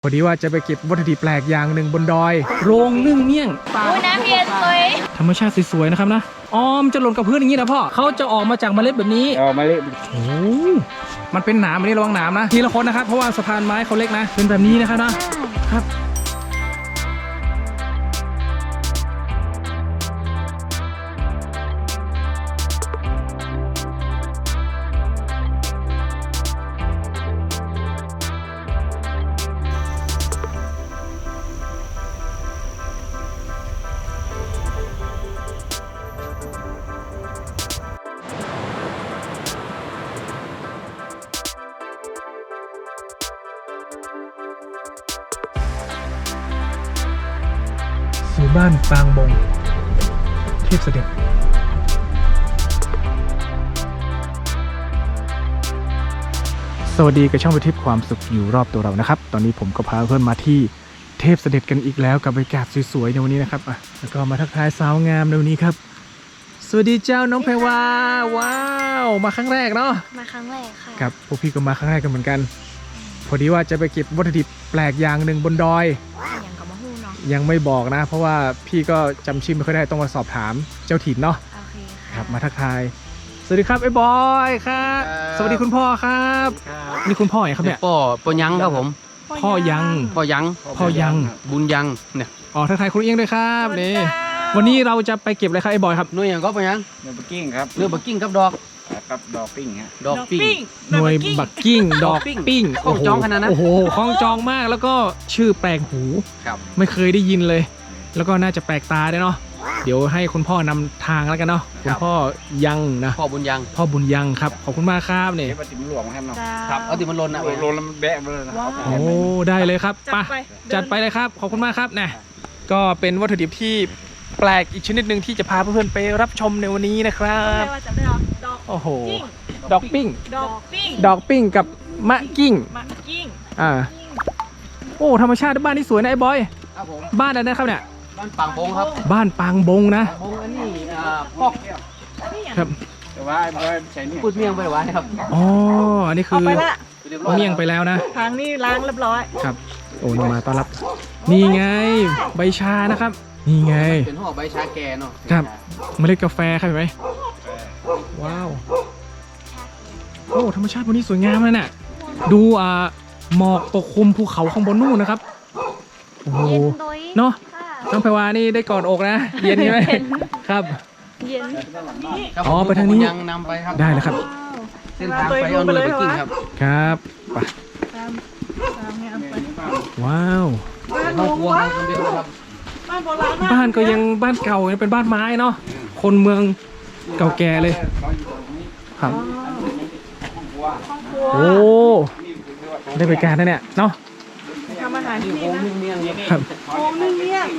พอดีว่าจะไปเก็บวัตถุดิบแปลกอย่างหนึ่งบนดอยโรงนึ่งเมี่ยงน้ำเย็นเลยธรรมชาติสวยๆนะครับนะมจะหล่นกับพื้นอย่างนี้นะพ่อเขาจะออกมาจากเมล็ดแบบนี้เมล็ดโอ้มันเป็นหนามอันนี้ระวังหนามนะทีละคนนะครับเพราะว่าสะพานไม้เขาเล็กนะเป็นแบบนี้นะครับนะครับสู่บ้านปางบงเทพเสด็จสวัสดีกับช่องไปทิพย์ความสุขอยู่รอบตัวเรานะครับตอนนี้ผมก็พาเพื่อนมาที่เทพเสด็จกันอีกแล้วกับบรรยากาศสวยๆในวันนี้นะครับแล้วก็มาทักทายสาวงามในวันนี้ครับสวัสดีเจ้าน้องแพรวาว้าวมาครั้งแรกเนาะมาครั้งแรกค่ะครับพวกพี่ก็มาครั้งแรกกันเหมือนกันพอดีว่าจะไปเก็บวัตถุดิบแปลกอย่างหนึ่งบนดอยยังไม่บอกนะเพราะว่าพี่ก็จำชื่อไม่ค่อยได้ต้องมาสอบถามเจ้าถิ่นเนาะโอเคครับมาทักทายสวัสดีครับไอ้บอยครับสวัสดีคุณพ่อครับนี่คุณพ่อไหนครับเนี่ยพ่อยังครับผมพ่อยังบุญยังเนี่ยทักทายคุณเอี้ยงด้วยครับนี่วันนี้เราจะไปเก็บอะไรครับไอ้บอยครับหน่วยอย่างก็พ่อยังเนื้อบักกิ้งครับเนื้อบักกิ้งครับดอกปิ้งฮะดอกปิ้งหน่วยบักกิ้งดอกปิ้งของจองขนาดนั้นโอ้โหของจองมากแล้วก็ชื่อแปลกหูไม่เคยได้ยินเลยแล้วก็น่าจะแปลกตาด้วยเนาะเดี๋ยวให้คุณพ่อนำทางแล้วกันเนาะคุณพ่อยังนะพ่อบุญยังครับขอบคุณมากครับเนี่ยปฏิบัติหลวงครับเนาะครับเอาติมันลนนะลนแล้วมันแบะเลยนะโอ้ได้เลยครับจัดไปเลยครับขอบคุณมากครับนะก็เป็นวัตถุดิบที่แปลกอีกชนิดหนึ่งที่จะพาเพื่อนๆไปรับชมในวันนี้นะครับโอ้โหดอกปิ้งกับมะกิ้งโอ้ธรรมชาติบ้านที่สวยนะไอ้บอยบ้านอะไรนะครับเนี่ยบ้านปางบงครับบ้านปางบงนะบงอันนี้พอกครับแต่ว่าใช้พูดเมี่ยงไปไว้ครับอันนี้คือเมี่ยงไปแล้วนะทางนี้ล้างเรียบร้อยครับโอ้มาต้อนรับนี่ไงใบชานะครับนี่ไงเป็นห่อใบชาแก่เนาะครับเมล็ดกาแฟครับเห็นไหมว้าวโอ้ธรรมชาติวันนี้สวยงามเลยน่ะดูหมอกปกคลุมภูเขาข้างบนนู่นนะครับโอ้โหเนาะน้องแพรวานี่ได้กอดอกนะเย็นใช่ไหมครับเย็นไปทางนี้ยังนำไปครับได้แล้วครับเส้นทางไปเอาเรือไปกิ้งครับครับไปว้าวบ้านก็ยังบ้านเก่ายังเป็นบ้านไม้เนาะคนเมืองเก่าแก่เลยครับโอ้ได้บริการนะเนี่ยเนาะทำอาหารที่นี่ครับโอ้นึ่งเมี่ยง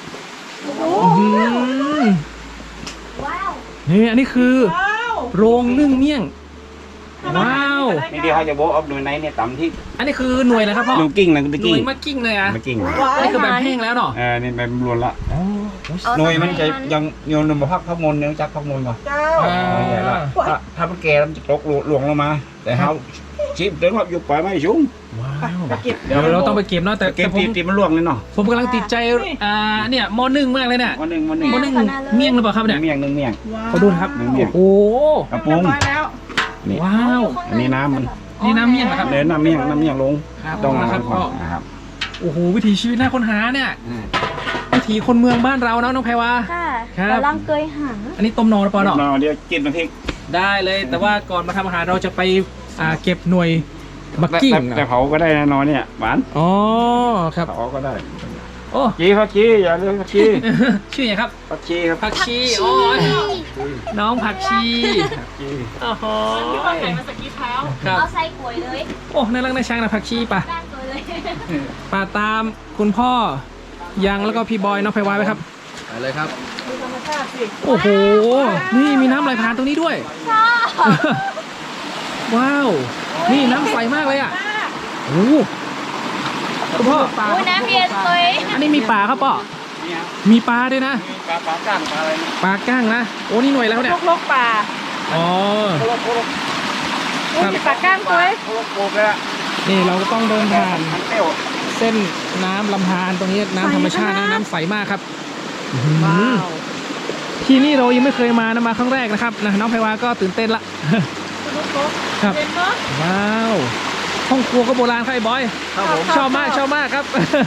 นี่อันนี้คือโรงนึ่งเมี่ยงว้าวนี่เดี๋ยวเขาจะโบ๊ะเอาหน่วยไหนเนี่ยต่ำที่อันนี้คือหน่วยอะไรครับพ่อหน่วยกิ้งนะหน่วยมะกิ้งเลยอ่ะมะกิ้งอันนี้คือแบบแห้งแล้วเนาะนี่แบบรวนละหน่วยมันจะยังโยนมาพักมนยังจักพักมนก่อนถ้ามันแก่มันจะตกหลวงลงมาแต่เขาชิปเดินอยู่ปล่อยไม่ชุ่มเดี๋ยวเราต้องไปเก็บเนาะแต่ผมตีมันล่วงเลยเนาะผมกำลังติดใจเนี่ยม.1มากเลยเนี่ยม.1 เมี่ยงหรือเปล่าครับเนี่ยเมี่ยงเขาดูครับโอ้กระปุกว้าวอันนี้น้ำมันนี่น้ำเมี่ยงนะครับน้ำเมี่ยงลงต้องนะครับโอ้โหวิถีชีวิตน่าค้นหาเนี่ยวิถีคนเมืองบ้านเราเนาะน้องแพรวาค่ะกำลังเกยหางอันนี้ต้มนอหรือเปล่าเนาะเดี๋ยวกินน้ำพริกได้เลยแต่ว่าก่อนมาทำอาหารเราจะไปเก็บหน่วยบักกิ้งแต่เผาก็ได้นะนอนเนี่ยหวานครับเผาก็ได้โอ้ผักชีอย่าลืมผักชีชื่อไงครับผักชีครับผักชีโอ้ยน้องผักชีโอ้โหที่คนไหนมาสกีเท้าเอาใส่กล้วยเลยโอ้น่ารักน่าชังนะผักชีป่ะป่าตามคุณพ่อยังแล้วก็พี่บอยน้องไพวายไหมครับไปเลยครับโอ้โหนี่มีน้ำไหลผ่านตรงนี้ด้วยว้าวนี่น้ำใสมากเลยอ่ะโอ้คุณพ่อน้ำเย็นเลยอันนี้มีปลาครับป่อมีปลาด้วยนะปลาก้างอะไรปลาก้างนะโอ้นี่หน่วยแล้วเนี่ยลกปลาครับปลาก้างตัวนี่เราก็ต้องเดินผ่านเส้นน้ำลำธารตรงนี้น้ำธรรมชาตินะน้ำใสมากครับอื้อหือว้าวที่นี่เรายังไม่เคยมานะมาครั้งแรกนะครับนะน้องไพวาก็ตื่นเต้นละ ครับเห็นปะว้าวห้องครัวก็โบราณครับไอ้บอยครับผมชอบมากครับ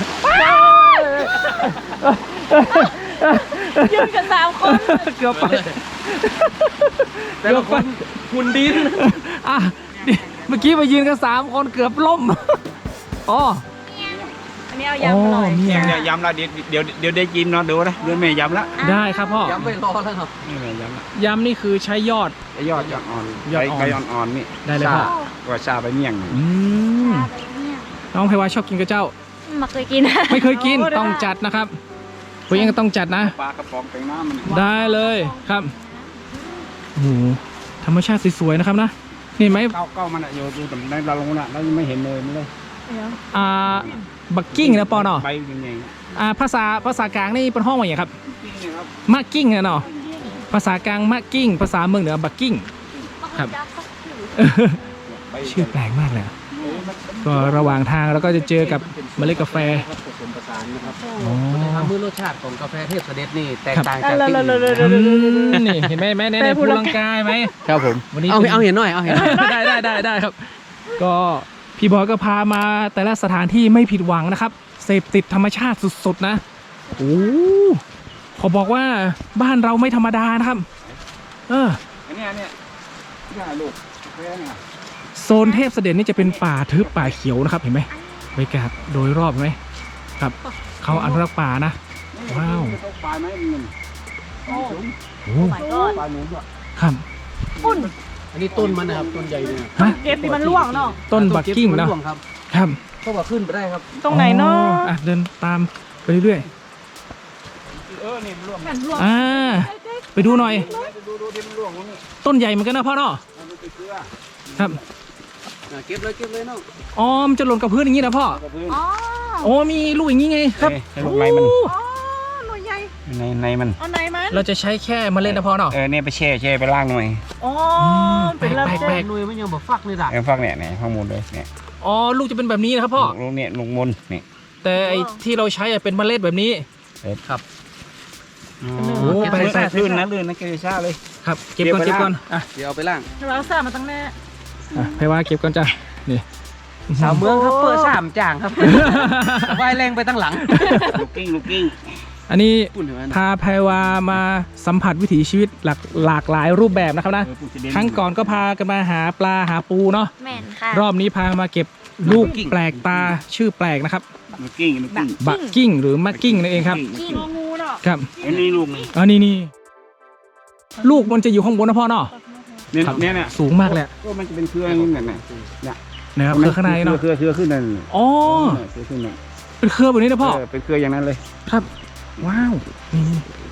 ยืนกัน3 คนเกือบไปแต่ละคนหุ่นดินอ่ะเมื่อกี้ไปยืนกัน3 คนเกือบล่มอ๋ออันนี้เอายำอร่อยเนี่เนี่ยยำละเดี๋ยวได้กินเนาะดูนะเดี๋ยวแม่ยำละได้ครับพ่อย้ำไม่รอแล้วครับนี่แม่ยำละยำนี่คือใช้ยอดไอ้ยอดอ่อนยอดอ่อนไก่อ่อนๆนี่ได้เลยพ่อว่าชาไปเมี่ยงนี่อืมน้องไพวาชอบกินกระเจ้ามาเคยกินไม่เคยกินต้องจัดนะครับคุณยังต้องจัดนะปลากระป๋องแตงน้ำมันได้เลยครับโอ้โหธรรมชาติสวยๆนะครับนะนี่เห็นไหมเก้ามันอะอยู่ตรงในดาลงน่ะแล้วยังไม่เห็นเลยมันเลยอ่าบักกิ้งนะปอเนาะใบยังไงภาษากลางนี่เป็นห้องว่าอย่างครับนี่ครับมะกิ้งนะเนาะภาษากลางมะกิ้งภาษาเมืองเหนือบักกิ้ง ครับใบชื่อแปลกมากเลยอะก็ระหว่างทางเราก็จะเจอกับเมล็ดกาแฟผสมผสานนะครับอ๋อทำให้รสชาติของกาแฟเทพเสด็จนี่แตกครับต่างจากที่อื่นนี่เห็นไหมในพูลังกายไหมครับผมวันนี้เอาเห็นหน่อยเอาเห็นหน่อยได้ครับ ก็พี่บอยก็พามาแต่ละสถานที่ไม่ผิดหวังนะครับเสพติดธรรมชาติสุดๆนะโอ้ขอบอกว่าบ้านเราไม่ธรรมดานะครับอันเนี้ยนี่ลูกแค่เนี่ยโซนเทพเสด็จนี่จะเป็นป่าทึบป่าเขียวนะครับเห็นไหมบรรยากาศโดยรอบเห็นไหมครับเขาอนุรักษ์ป่านะ ว้าวปลาไหมมันโอ้โอ้ my god ปลาหนูด้วยครับปุ่นอันนี้ต้นมันนะครับต้นใหญ่เลยฮะเก็บที่มันล่วงเนาะต้นบักกิ้งต้เนาะร่วครับครับก็ว่าขึ้นไปได้ครับตรงไหนเนาะอ๋อเดินตามไปเรื่อยนี่มันร่วงแม่นล่วงๆไปดูหน่อยดูที่มันร่วงตรงนี้ต้นใหญ่เหมือนกันนะพ่อเนาะมันเป็นเกลือครับเก็บเลยน้องอ๋อมันจะหล่นกับพื้นอย่างนี้นะพ่อกับพื้นอ๋อโอ้มีลูกอย่างนี้ไงครับให้ลูกในมันอ๋อหน่วยใหญ่ในมันเอาไหนมันเราจะใช้แค่เมล็ดนะพ่อเนาะเนี่ยไปแช่ไปล่างหน่อยอ๋อเป็นระแปเบิลดกหน่วยมันยังบอกฟักเลยด่ะฟักเนี่ยข้างบนเลยเนี่ยอ๋อลูกจะเป็นแบบนี้นะครับพ่อลูกเนี่ยลูกมนเนี่ยแต่ไอ้ที่เราใช้อะเป็นเมล็ดแบบนี้ครับโอ้ไปลื่นนะเกลือชาเลยครับเก็บก่อนอ่ะเดี๋ยวเอาไปล่างเราสร้างมาตั้งแน่ไพว่าเก็บก่อนจ้ะนี่สาวเมืองครับเปิด3จ่างครับว่ายแรงไปตั้งหลังลูกกิ้งอันนี้ปุ่นถึงนั้นพาไพวามาสัมผัสวิถีชีวิตหลากหลายรูปแบบนะครับนะครั้งก่อนก็พากันมาหาปลาหาปูเนาะแม่นค่ะรอบนี้พามาเก็บลูกแปลกตาชื่อแปลกนะครับลูกกิ้งบักกิ้งหรือมักกิ้งนั่นเองครับกิ้งงูเนาะครับอันนี้ลูกนี่อันนี้ลูกมันจะอยู่ข้างบนนะพ่อเนาะเนี่ยสูงมากเลยก็มันจะเป็นเครือนี่เนี่ยนะครับเครือข้างในเนาะเครือขึ้นนั่นอ๋อเครือขึ้นนั่นเป็นเครือแบบนี้นะพ่อเป็นเครืออย่างนั้นเลยครับ ว้าวนี่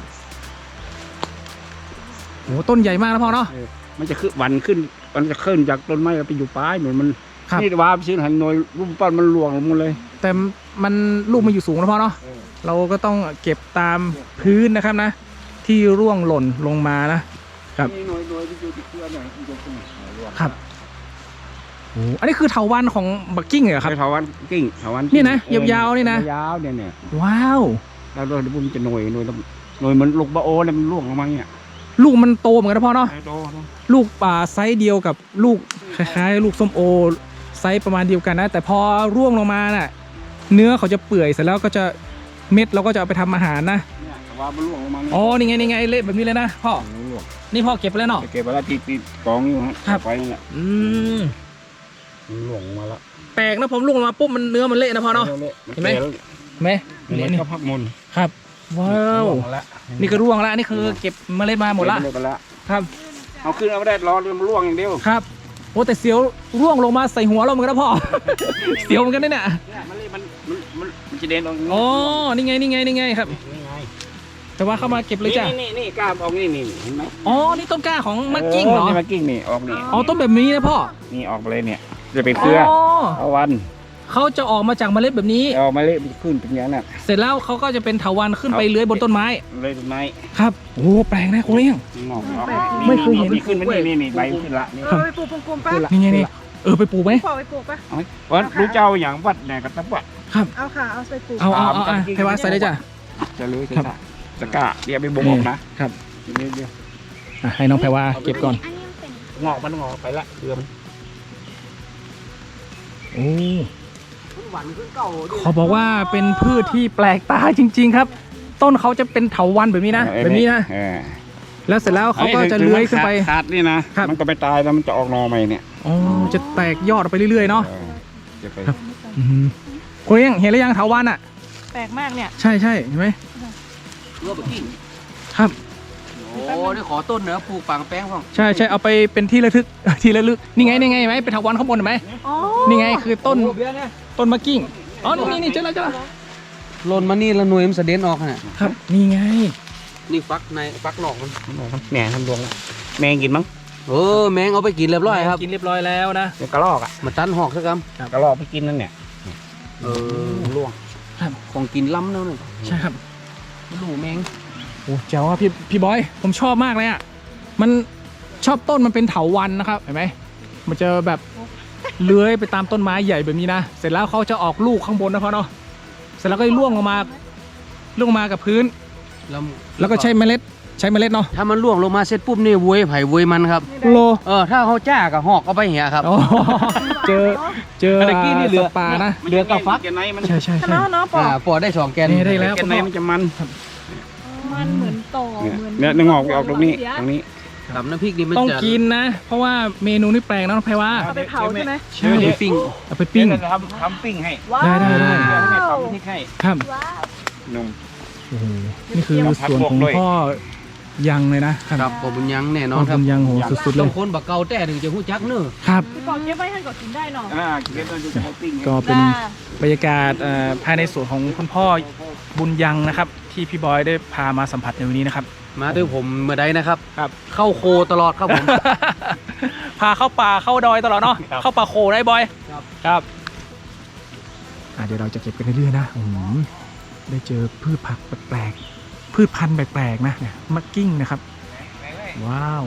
โอ้ต้นใหญ่มากนะพ่อเนาะมันจะขึ้นวันขึ้นมันจะขึ้นจากต้นไม้ไปอยู่ปลายหนุนมันครับนี่ว่าไปซื้อหันหน่วยรูปปั้นมันหลวงลงมาเลยแต่มันลูกมันอยู่สูงนะพ่อเนาะเราก็ต้องเก็บตามพื้นนะครับนะ ที่ร่วงหล่นลงมานะครับนี่หน่วยที่อยู่ที่เครือหน่อยที่อยู่ตรงนี้ครับโอ้อันนี้คือเถาวัลย์ของบักกิ้งเหรอครับเถาวันกิ้งเถาวันนี่นะยาวๆนี่นะยาวเนี่ยว้าวแล้วเดี๋ยวมันจะหน่วยมันลูกบะโอเนี่ยมันล่วงลงมาเนี่ยลูกมันโตเหมือนกันนะพ่อเนาะไอ้โตนะลูกไซส์เดียวกับลูกคล้ายๆ ลูกส้มโอไซส์ประมาณเดียวกันนะ แต่พอร่วงลงมาน่ะเนื้อเขาจะเปื่อยเสร็จแล้วก็จะเม็ดเราก็จะเอาไปทำอาหารนะเนี่ยว่ามันล่วงลงมาเนี่ยอ๋อนี่ไงเละแบบนี้เลยนะพ่อมันล่วงนี่พ่อเก็บไปแล้วเนาะเก็บไว้แล้วที่กองอยู่ฮะครับไปนั่นแหละอืมมันล่วงลงมาแล้วแปลกนะผมล่วงลงมาปุ๊บมันเนื้อมันเละนะพ่อเนาะ เห็นไหม เห็นไหมนี่นี่ก็พักมนครับ ว้าวล่งแล้วนี่ก็ร่วงแล้วนี่คือเก็บเมล็ดมาหมดละเก็บไปแล้วครับเอาขึ้นเอาไม่ได้รอจนมันล่วงอย่างเดียวครับโอ้แต่เสียวร่วงลงมาใส่หัวเราเหมือนกันนะพ่อ เสียวเหมือนกันเนี่ยเนี่ยมันจะเด่นออกอย่างนี้อ๋อนี่ไงครับนี่ไงแต่ว่าเข้ามาเก็บเลยจ้ะนี่กล้ามออกนี่เห็นไหมอ๋อ นี่ต้นกล้าของมักกิ้งเหรอนี่มักกิ้งนี่ออกนี่อ๋อ ต้นแบบนี้นะพ่อนี่ออกไปเลยเนี่ยจะเป็นเครืออ๋อเอาวันเขาจะออกมาจากเมล็ดแบบนี้เอามาเละขึ้นเป็นอย่างนั้นน่ะเสร็จแล้วเขาก็จะเป็นเถาวัลย์ขึ้นไปเลื้อยบนต้นไม้เลยต้นไม้ครับ โอ้แปลกนะคุณเลี้ยงงอกออกไม่เคยเห็นขึ้นมานี่ใบขึ้นละนี่ไปปลูกกลมๆป่ะขึ้นละนี่ไงนี่ไปปลูกไหมพ่อไปปลูกป่ะวันรู้เจ้าอย่างวัดเนี่ยกับตะวัดครับเอาค่ะ เอาใส่ปูเอาให้ว่าใส่ได้จ้ะจะเลยครับจะกะเดี๋ยวไปบ่งออกนะครับ เดี๋ยวให้น้องแพรว่าเก็บก่อนอันนี้มันเป็นงอกมันงอกไปละเรือมันโอ้หวานขึ้นเก่าเขาบอกว่าเป็นพืชที่แปลกตาจริง ๆ ครับ ต้นเขาจะเป็นเถาวัลย์แบบนี้นะแบบนี้นะ แล้วเสร็จแล้วเขาก็จะเลื้อยขึ้นไปขาดนี่นะครับ มันก็ไปตายแล้วมันจะออกหนอใหม่เนี่ยอ๋อจะแตกยอดออกไปเรื่อยๆเนาะจะไปอื้อหือคุณเลี้ยงเห็นหรือยังเถาวัลย์อ่ะแปลกมากเนี่ยใช่เห็นไหมเรือแบบกิ้งครับโอ้ได้ขอต้นเนื้อปลูกฝังแป้งพ่องใช่เอาไปเป็นที่ระลึก ที่ระลึกนี่ไงเห็นไหมเป็นเถาวัลย์ข้างบนเห็นไหมอ๋อนี่ไงคือต้นโอ้เบี้ยเนี่ยต้นมะกิ้งอ๋อนี่เจอแล้วหล่นมานี่แล้วหน่วยมันเสด็จออกฮะครับนี่ไงนี่ฟักในฟักนอกมันแหน่ทำดวงละแมงกินมั้งแมงเอาไปกินเรียบร้อยครับกินเรียบร้อยแล้วนะเดี๋ยวกระรอกอ่ะมาตันหอกสักคกระรอกไปกินนั่นเนี่ยำล่วงของกินล้ำแล้วนี่ใช่ครับลูกแมงโอ้เจ๋วอ่ะพี่บอยผมชอบมากเลยอ่ะมันชอบต้นมันเป็นเถาวัลย์นะครับเห็นไหมมันจะแบบเลื้อยไปตามต้นไม้ใหญ่แบบนี้นะเสร็จแล้วเขาจะออกลูกข้างบนนะพ่อเนาะเสร็จแล้วก็ร่วงลงมากับพื้น แล้วก็ใช้เมล็ดเนาะถ้ามันล่วงลงมาเสร็จปุ๊บนี่เวยไผ่เวยมันครับโลถ้าเขาจ้ากับหอกเอาไปเหี้ยครับอ๋อเจอตะกี้นี่เหลือสัตว์ป่านะเรือกับฟักแกนไหนมันใช่เนาะเนาะปอกปอได้2 แกนนี่ได้แล้วแกนไหนมันจะมันมันเหมือนต่อเนี่ยเหมือนเนี่ยงอกออกตรงนี้ตรงนี้ตำน้ำพริกนี่มันต้องจะกินนะ เพราะว่าเมนูนี่แปลกนะน้องแพรว่าเอาไปเผาใช่ไหมใช่เอาไปปิ้งเอาไปปิ้งเดี๋ยวจะทำปิ้งให้ว้าวได้เดี๋ยวให้ทำพริกให้ครับว้าวหนุ่มโอ้โหนี่คือส่วนของพ่อยังเลยนะครับครับผมบุญยังแน่นพ่ออนครับทำยังโหสุดๆเลต้อย งคนบักเกาแต่ถึงจะหู้จักเนอะครับพี่ปอกเก็บไว้ให้ก่อนกินได้เนาะเก็บมันจะให้ปิ้งให้ก็เป็นบรรยากาศภายในสวนของคุณพ่อบุญยังนะครับ ที่พี่บอยได้พามาสัมผัสในวันนี้นะครับมาด้วยผมเมื่อใดนะครับครับเข้าโคตลอดครับผมพาเข้าป่าเข้าดอยตลอดเนาะเข้าป่าโคได้บอยครับครับเดี๋ยวเราจะเก็บกันเรื่อยๆนะได้เจอพืชผักแปลกๆพืชพันธุ์แปลกๆนะเนี่ยมักกิ้งนะครับ ว้าว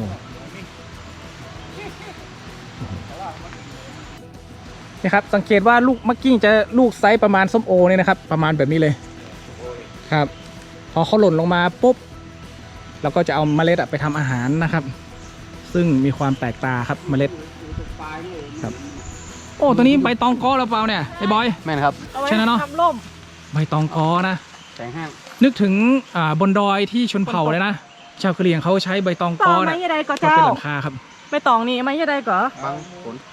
นี่ครับสังเกตว่าลูกมักกิ้งจะลูกไซส์ประมาณส้มโอเนี่ยนะครับ ประมาณแบบนี้เลยครับ พอเขาหล่นลงมาปุ๊บเราก็จะเอาเมล็ดไปทำอาหารนะครับ ซึ่งมีความแปลกตาครับเมล็ดครับ โอ้ตัวนี้ใบตองกอหรือเปล่าเนี่ยไอ้บอยแม่นครับเอาไว้ใช่แล้วเนอะทำร่มใบตองกอนะแสงห้างนึกถึงบนดอยที่ชนเผ่าเลยนะชาวกะเหรี่ยงเขาใช้ใบตองกต่ออไม้เนี่ยยังไงก็มาเจ้าเป็นหลังคาครับไปตองนี่ไม้ยังไงก็บางผล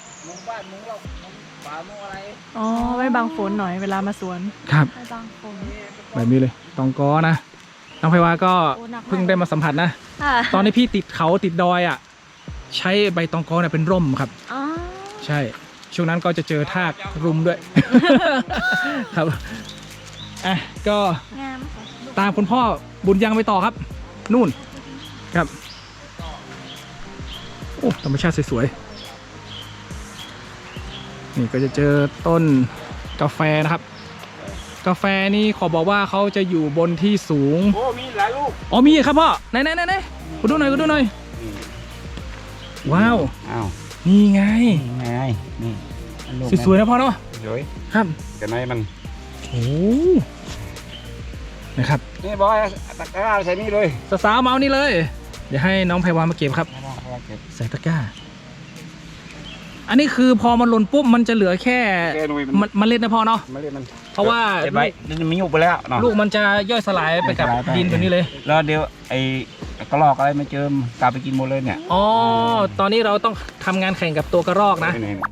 อ๋อไว้บังฝนหน่อยเวลามาสวนครับไปบางฝนแบบนี้เลยตองกอนะน้องไพวาก็เพิ่งได้มาสัมผัสนะค่ะตอนที่พี่ติดเขาติดดอยอ่ะใช้ใบตองกอเนี่ยเป็นร่มครับอ๋อใช่ช่วงนั้นก็จะเจอทากรุมด้วย ครับอ่ะก็งามค่ะตามคุณพ่อบุญยังไปต่อครับ นู่นครับโอ้ธรรมชาติสวยๆนี่ก็จะเจอต้นกาแฟนะครับ กาแฟนี่ขอบอกว่าเขาจะอยู่บนที่สูงโอ้มีหลายลูกอ๋อมีครับพ่อไหนกูดูหน่อยว้าวอ้าวนี่ไงไงนี่สวยๆนะพ่อเนาะสวยครับแกนไหนมันโอ้นะครับนี่บอยตะกร้าใส่นี่เลยสาวๆเมานี่เลย เดี๋ยวให้น้องไพวามาเก็บครับ ใส่ตะกร้า อันนี้คือพอมันหล่นปุ๊บมันจะเหลือแค่แกหน่วยมันเมล็ดนะพ่อเนาะมาเรียกมันเพราะว่าเก็บไว้มันยุบไปแล้วเนาะลูกมันจะย่อยสลายไปกับย่อยสลายไปดินแบบนี้เลยแล้วเดี๋ยวไอ้กระรอกอะไรมาเจิมกลับไปกินหมดเลยเนี่ยอ๋อ ตอนนี้เราต้องทำงานแข่งกับตัวกระรอกนะนี่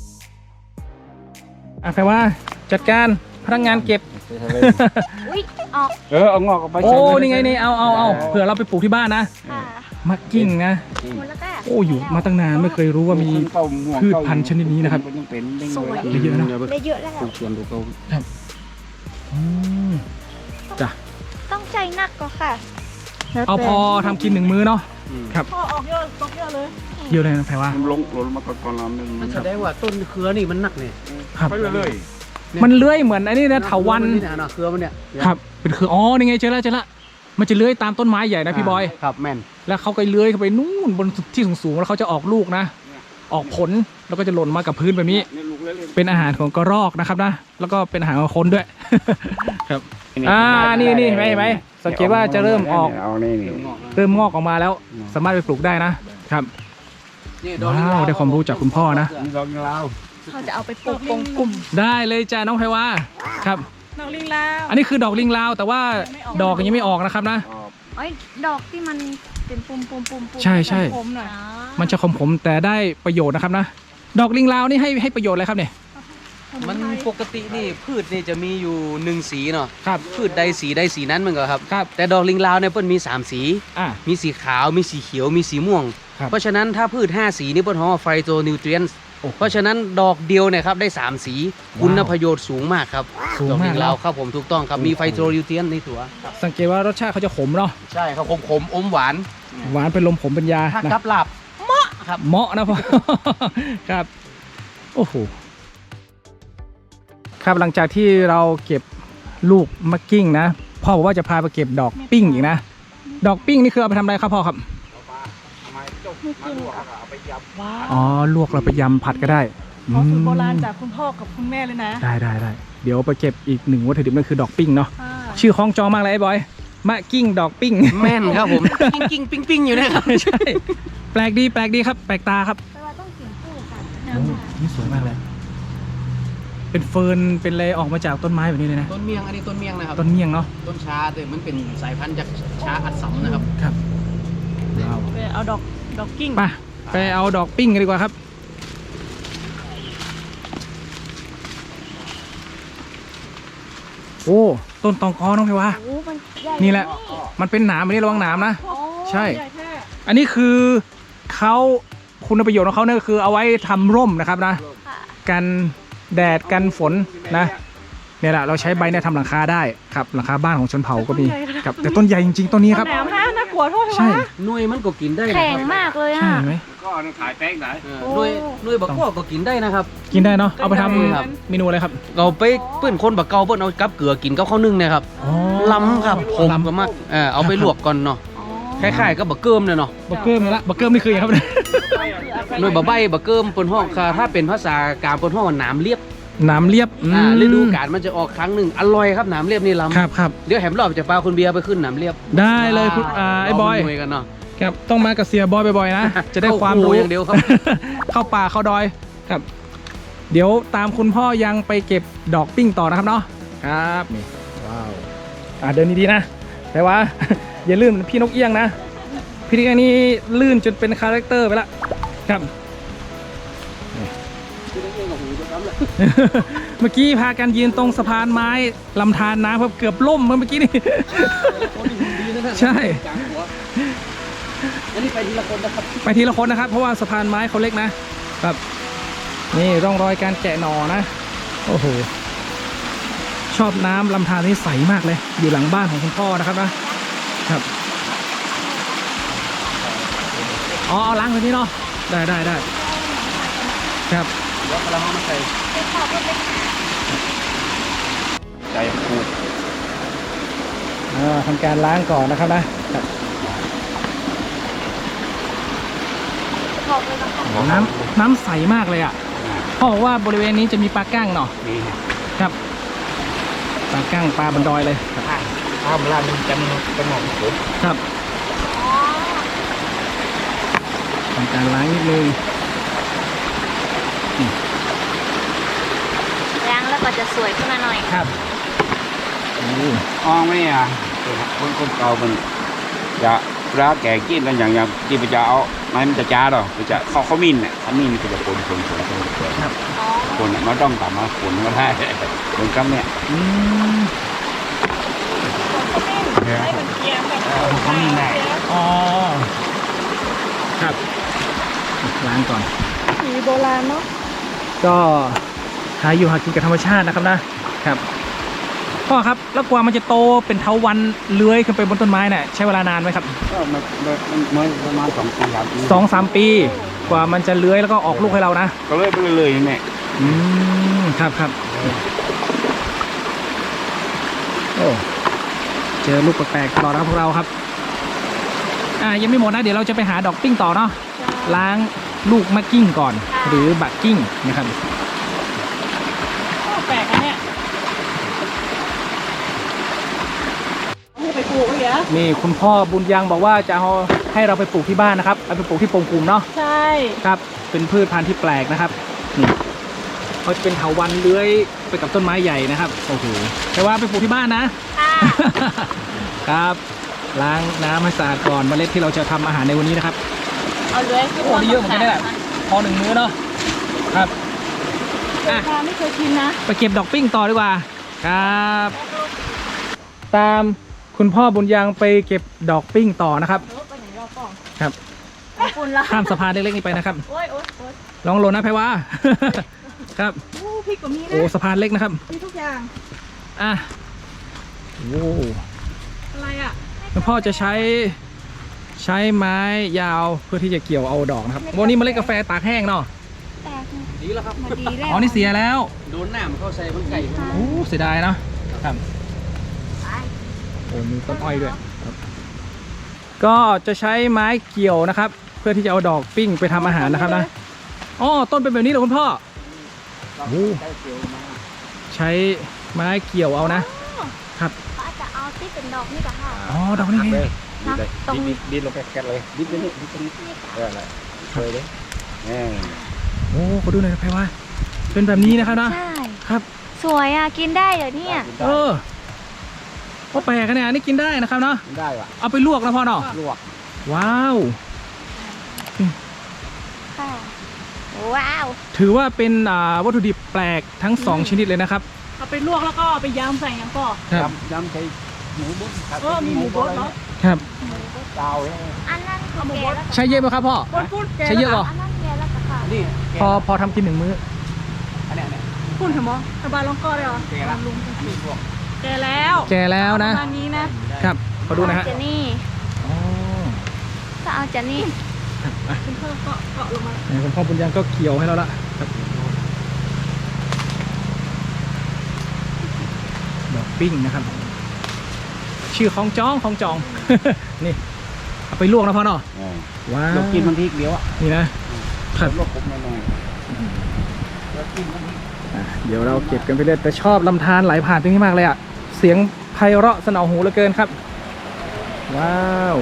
อ่ะไพวาจัดการพนักงานเก็บอุ๊ยออกเอางอกออกไปโอ้ใส่เลยนี่ไงนี่เอาเผื่อเราไปปลูกที่บ้านนะค่ะมักกิ้งนะหมดแล้วก็โอ้อยู่มาตั้งนานไม่เคยรู้ว่ามี พืชพันธุ์ชนิดนี้นะครับยังเป็นสวยได้เยอะนะได้เยอะแล้วปลูกสวนดูเขาอืมจ้ะต้องใจหนักก็ค่ะเอาพอทำกินหนึ่งมื้อเนาะ ครับพ่อออกเยอะตกเยอะเลยเยอะเลยนะแพรว่ามันลงมาก่อนเราหนึ่งมันแสดงว่าต้นเครือนี่มันหนักเนี่ยครับไปเลยมันเลื้อยเหมือนอันนี้นะเถาวัลย์นี่นะเครือมันเนี่ยครับ เป็นคืออ๋อนี่ไงเจอแล้วมันจะเลื้อยตามต้นไม้ใหญ่นะพี่บอยครับแม่นแล้วเขาก็เลื้อยเข้าไปนู่นบนที่สูงๆแล้วเขาจะออกลูกนะออกผลแล้วก็จะหล่นมากับพื้นแบบนี้นี่ลูกเล็กเป็นอาหารของกระรอกนะครับนะแล้วก็เป็นอาหารของคนด้วย ครับๆนี่เห็นไหมสังเกตว่าจะเริ่มออกเอานี่เริ่มงอกออกมาแล้ว สามารถไปปลูกได้นะครับ ว้าวได้ความรู้จากคุณพ่อนะดอกลาวเขาจะเอาไปปลูกกงกลุ่มได้เลยจ้าน้องไพวาครับนอกลิงลาวอันนี้คือดอกลิงลาวแต่ว่าดอกยังไม่ออกนะครับนะไอ้ยดอกที่มันเป็นปุ่มใช่ผมหน่อยมันจะขมๆแต่ได้ประโยชน์นะครับนะ ดอกลิงลาวนี่ให้ประโยชน์อะไรครับเนี่ยมันปกตินี่พืชนี่จะมีอยู่1สีเนาะครับพืชใดสีนั้นมันก็ครับครับแต่ดอกลิงลาวเนี่ยเปิ้นมี3สีอ่ะมีสีขาวมีสีเขียวมีสีม่วงครับเพราะฉะนั้นถ้าพืช5สีนี่เปิ้นฮ้อไฟโตนิวเทรียนโอ้โหเพราะฉะนั้นดอกเดียวเนี่ยครับได้3สีคุณประโยชน์สูงมากครับสูงดอกมาลิกงแล้ลาว วครับผมถูกต้องครับมีไฟโตนิวเทรียนในตัวสังเกตว่ารสชาติเขาจะขมเนาะใช่ครับขมอมหวานหวานเป็นลมขมเป็นยาถ้านะกับหลับเหมาะครับเหมาะนะพ่อ ครับ โอ้โห ครับหลังจากที่เราเก็บลูกมะกิ้งนะ พ่อบอกว่าจะพาไปเก็บดอกปิ้งอีกนะ ดอกปิ้งนี่คือเอาไปทำอะไรครับพ่อครับว้าวอ๋อ ลวกเราไปยำผัดก็ได้ขอสูตรโบราณจากคุณพ่อกับคุณแม่เลยนะได้เดี๋ยวไปเก็บอีกหนึ่งวัตถุดิบนั่นคือดอกปิ้งเนาะค่ะชื่อคล้องจองมากเลยไอ้บอย มะกิ้งดอกปิ้งแม่นครับผม กิ้งปิ้งอยู่เนะครับใช่ แปลกดีครับ แปลกตาครับแต่ว่าต้องกินคู่กันโอ้นี่สวยมากเลย เป็นเฟิร์น เป็นอะไรออกมาจากต้นไม้แบบนี้เลยนะต้นเมียงอันนี้ต้นเมียงนะครับต้นเมี่ยงเนาะต้นชาแต่มันเป็นสายพันธุ์จากชาอัดสำนะครับครับ ว้าวไปเอาดอกกิ้งไปเอาดอกปิ้งกันดีกว่าครับ โอ้ ต้นตองกอน้องไพวาโอ้มันใหญ่นี่แหละ มันเป็นหนามอันนี้ระวังหนามนะโอ้ใช่ใหญ่แท้อันนี้คือเขาคุณประโยชน์ของเขาเนี่ยคือเอาไว้ทำร่มนะครับนะค่ะกันแดดกันฝนนะเนี่ยแหละเราใช้ใบเนี่ยทำหลังคาได้ครับหลังคาบ้านของชนเผ่าก็มีครับแต่ต้นใหญ่จริงๆต้นนี้ครับแหนมนะน่ากลัวโทษใช่วะหน่วยมันก็กินได้นะแข็งครับมากเลยใช่อ่ะไหมก็ขายแป้งไหนหน่วยบักกอกก็กินได้นะครับกินได้เนาะเอาไปทครับำเมนูอะไรครับเราไปเปื้อนคนบักเกาเปื้อนเอากับเกลือกินกับข้าวนึ่งเนะครับอ๋อล้ำครับผมล้ำก็มากเอาไปลวกก่อนเนาะอ๋อคล้ายๆกับบักเกิมเนี่ยเนาะบักเกิมนี่ละบักเกิมนี่คืออย่างครับเนี่ยหน่วยบักใบบักเกิมเปิ้นห้องค่ะถ้าเป็นภาษากลางเปิ้นห้องว่าหนามเรียบหนามเรียบอืมฤดูกาลมันจะออกครั้งหนึ่งอร่อยครับหนามเรียบนี่ล้ำครับเดี๋ยวแหมรอบจะปลาคุณเบียร์ไปขึ้นหนามเรียบได้เลยคุณไอ้บอยเามาหน่วยกันเนาะครับต้องมากับเสียบอยบ่อยๆนะ จะได้ความรู้เข้าครัวอย่างเดียวครับเข้าป่าเข้าดอยครับ เดี๋ยวตามคุณพ่อยังไปเก็บดอกปิ้งต่อนะครับเนาะครับนี่ว้าวเดินดีๆนะแต่ว่า อย่าลื่นพี่นกเอี้ยงนะพี่นกเอี้ยงนี่ลื่นจนเป็นคาแรคเตอร์ไปละครับนี่ เมื่อกี้พากันยืนตรงสะพานไม้ลำธารน้ำครับเกือบล่มเมื่อกี้นี่ ใช่อันนี้ไปทีละคนนะครับไปทีละคนนะครับ เพราะว่าสะพานไม้เขาเล็กนะครับนี่ร่องรอยการแกะหน่อนะโอ้โหชอบน้ำลำธารนี่ใสมากเลย อยู่หลังบ้านของคุณพ่อนะครับนะครับอ๋อเอาล้างแบบนี้เนาะได้ครับเดี๋ยวเราเอามาใส่ใจพูดทำการล้างก่อนนะครับนะครับขอบเลยนะคะน้ำใสมากเลยอ่ะพ่อบอกว่าบริเวณนี้จะมีปลากั้งเนาะนี่ครับปลากั้งปลาบนดอยเลยครับถ้าเวลามันจะมีกระหม่อมผมครับทำการล้างนิดนึงล้างแล้วก็จะสวยขึ้นมาหน่อยครับอ้องไม่อ่ะคนเก่ามันจะร้าแก่กินกันอย่างที่มันจะเอาไม้มันจะจ้าหรอมันจะเขามินเนี่ยเขามินมันจะคนครับอ๋อคนมันต้องกลับมาคนก็ได้คนกับเนี่ยอืมให้เหมือนเกียงแบบเขามีแน่อ๋อครับล้างก่อนสีโบราณเนาะก็หาอยู่หากินกับธรรมชาตินะครับนะครับพ่อครับแล้วกว่ามันจะโตเป็นเถาวัลย์เลื้อยขึ้นไปบนต้นไม้เนี่ยใช้เวลานานไหมครับก็มันประมาณ2 ปีครับ 2-3 ปีกว่ามันจะเลื้อยแล้วก็ออกลูกให้เรานะก็เลยไปเลยเนี่ยครับโอ้เจอลูกแปลกๆตลอดนะครับพวกเราครับยังไม่หมดนะเดี๋ยวเราจะไปหาดอกปิ้งต่อเนาะล้างลูกมะกิ้งก่อน หรือบักกิ้งนะครับโอ้แปลกอันเนี่ยเอาไปปลูกเหรอนี่คุณพ่อบุญยังบอกว่าจะเอาให้เราไปปลูกที่บ้านนะครับเอาไปปลูกที่ปงกุมเนาะใช่ครับเป็นพืชพันธุ์ที่แปลกนะครับนี่เขาจะเป็นเถาวัลย์เลื้อยไปกับต้นไม้ใหญ่นะครับโอ้โหแต่ว่าไปปลูกที่บ้านนะค่ะครับล้างน้ำให้สะอาดก่อนเมล็ดที่เราจะทำอาหารในวันนี้นะครับเอาเลยคือโอ้ได้เยอะเหมือนกันเนี่ยพอหนึ่งมื้อเนาะครับอ่ะปลาไม่เคยกินนะไปเก็บดอกปิ้งต่อดีกว่าครับ ตามคุณพ่อบุญยังไปเก็บดอกปิ้งต่อนะครับโอ้ไปไหนรอก่อนครับขอบคุณละข้ามสะพานเล็กๆนี้ไปนะครับโอ้ยโอ้ยโอ้ยลองลงนะไพวา ครับโอ้พริกก็มีโอ้นะสะพานเล็กนะครับมีทุกอย่างอ่ะโอ้อะไรอ่ะคุณพ่อจะใช้ไม้ยาวเพื่อที่จะเกี่ยวเอาดอกนะครับวันนี้เมล็ดกาแฟตากแห้งเนาะแตกดีแล้วครับมาดีแล้วอ๋อนี่เสียแล้วโดนน้ำเข้าใส่มันไก่โอ้เสียดายเนาะครับไปโอ้มีต้นอ้อยด้วยครับก็จะใช้ไม้เกี่ยวนะครับ เพื่อที่จะเอาดอกปิ้งไปทำอาหารนะครับนะอ๋อต้นเป็นแบบนี้เหรอคุณพ่อโอ้ใช้ไม้เกี่ยวเอานะครับเขาอาจจะเอาที่เป็นดอกนี่กับค่ะอ๋อดอกนี่ไงนะตรงดินลงแกะเลยดินไปนี่ดินไปนี่อะไรเคยเลยนี่โอ้ขอดูหน่อยนะไพว่าเป็นแบบนี้นะครับนะใช่ครับสวยอ่ะ กินได้เหรอเนี่ยเออก็แปลกกันเนี่ยอันนี่กินได้นะครับเนาะได้ว่ะเอาไปลวกนะพ่อเนาะลวกว้าวค่ะ ว้าวถือว่าเป็นวัตถุดิบแปลกทั้ง 2 ชนิดเลยนะครับเอาไปลวกแล้วก็เอาไปยำใส่อย่างก่อนครับยำใช้หมูบุ้นมีหมูบดเนาะครับดาวเลยอันนั้นคือแกแล้วใช้เยอะไหมครับพ่อบดพูดแกใช้เยอะเหรออันนั้นแกแล้วกับค่ะนี่พอทำกิน1 มื้ออันเนี้ยพูดเถอะมอสบายลองก่อนเลยเหรอแกละลุงอันนี้พวกแกแล้วแก่แล้วนะประมาณนี้นะครับขอดูนะฮะเจนี่อ๋อก็เอาเจนี่คุณพ่อเกาะลงมาเนี่ยคุณพ่อบุญยังก็เกี่ยวให้เราละครับดอกปิ้งนะครับ ชื่อของจอง นี่เอาไปลวกนะพ่อเนาะว้าวเรากินมันพริกเดียวอ่ะนี่นะคลวกผมหน่อยเรากินมันพริกเดี๋ยวเราเก็บกันไปเรื่อยแต่ชอบลำธารไหลผ่านตรงนี้มากเลยอ่ะเสียงไพเราะสนอหูเหลือเกินครับว้าว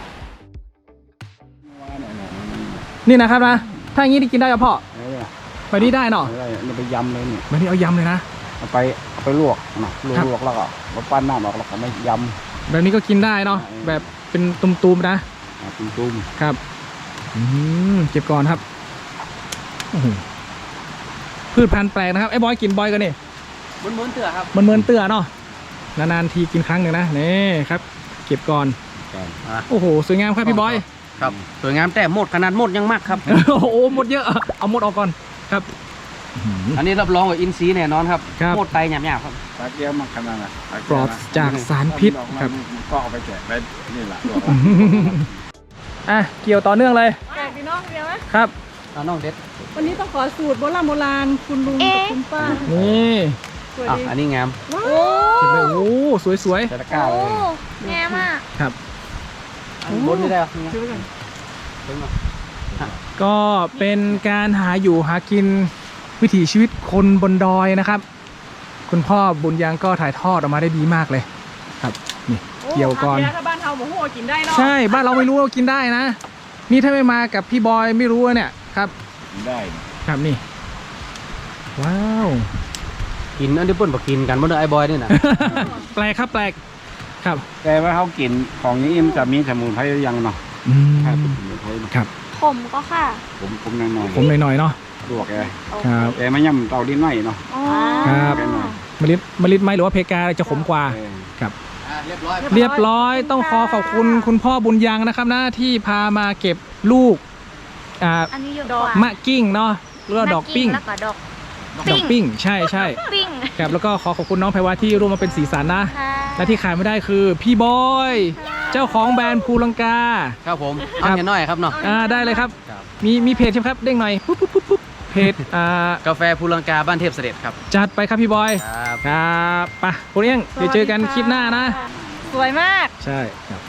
นี่นะครับนะถ้าอย่างนี้ได้กินได้กับพ่อไปนี่ได้เนาะเราไปยำเลยเนี่ยแบบนี้เอายำเลยนะเอาไปลวกนะลวกแล้วก็มาปั้นน้ำออกแล้วก็ไม่ยแบบนี้ก็กินได้เนาะแบบเป็นตุ่มๆนะำตุ้มครับเก็บก่อนครับโอ้โหพืชพันธุ์แปลกนะครับไอ้บอยกินบอยกันนี่ม้วนๆเถื่อครับมันเหมือนเตือเนาะนานๆทีกินครั้งหนึ่งนะนี่ครับ เก็บก่อนโอ้โหสวยงามครับพี่บอยครับสวยงามแต่หมดขนาดหมดยังมากครับโอ้โหหมดเยอะเอาหมดออกก่อนครับอันนี้รับรองว่าอินทรีย์แน่นอนครับครับหมดไตหยาบๆครับตาเกียวมาขนาดน่ะปลอดจากสารพิษครับก็เอาไปแกะไปนี่แหละอ่ะเกี่ยวต่อเนื่องเลยแปลกดีเนาะเดี๋ยวไหมครับเอาน้องเด็ดวันนี้ต้องขอสูตรโบราณคุณลุงกับคุณป้านี่สวยอ่ะดีอันนี้งามว้าโอ้เก็บเลยโอ้สวยใส่ตะกร้าโอ้เลยแง่มากๆครับอันบนนี่ได้เหรอดูกันถึงเหรอก็เป็นการหาอยู่หากินวิถีชีวิตคนบนดอยนะครับ คุณพ่อบุญยังก็ถ่ายทอดออกมาได้ดีมากเลยครับนี่เกี่ยวก่อนโถ้าบ้านเฮาหมูหัวกินได้เนาะใช่บ้านเราไม่รู้ว่ากินได้นะ นี่ถ้าไม่มากับพี่บอยไม่รู้ว่าเนี่ยครับได้ครับนี่ ว้าวกินอันนี้เปิ้นบอกกินกันบ่เด้อไอ้บอยนี่นะแปลกครับแปลกครับแต่ว่าเขากินของนี้มันจะมีสมุนไพรยังเนาะอืมถ้าเป็นสมุนไพรเนาะครับผมก็ค่ะผมหน่อยผมหน่อยๆเนาะลวกแกครับแต่ไม่ย่ำเตาดินไหมเนาะอ๋อครับ มะลิไหมหรือว่าเพกาจะขมกว่า ครับเรียบร้อยเรียบร้อยต้องขอบคุณคุณพ่อบุญยังนะครับนะที่พามาเก็บลูกอันนี้เยอะกว่ามะกิ้งเนาะแล้วก็ดอกปิ้งแล้วก็ดอกดอกปิ้งใช่ปิ้งครับแล้วก็ขอบคุณน้องไพวาที่ร่วมมาเป็นสีสันนะค่ะและที่ขาดไม่ได้คือพี่บอย เจ้าของแบรนด์ภูลังกาครับผมครัเอาบเห็นหน่อยครับเนาะได้เลยครับครับมีเพจใช่ไหมครับเด้งหน่อยปุ๊บเพจกาแฟภูลังกาบ้านเทพเสด็จครับจัดไปครับพี่บอยครับครับไปคุณเอี้ยงเดี๋ยวเจอกันคลิปหน้านะสวยมากใช่ครับ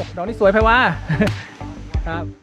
ดอกนี้สวยไพว่า ครับ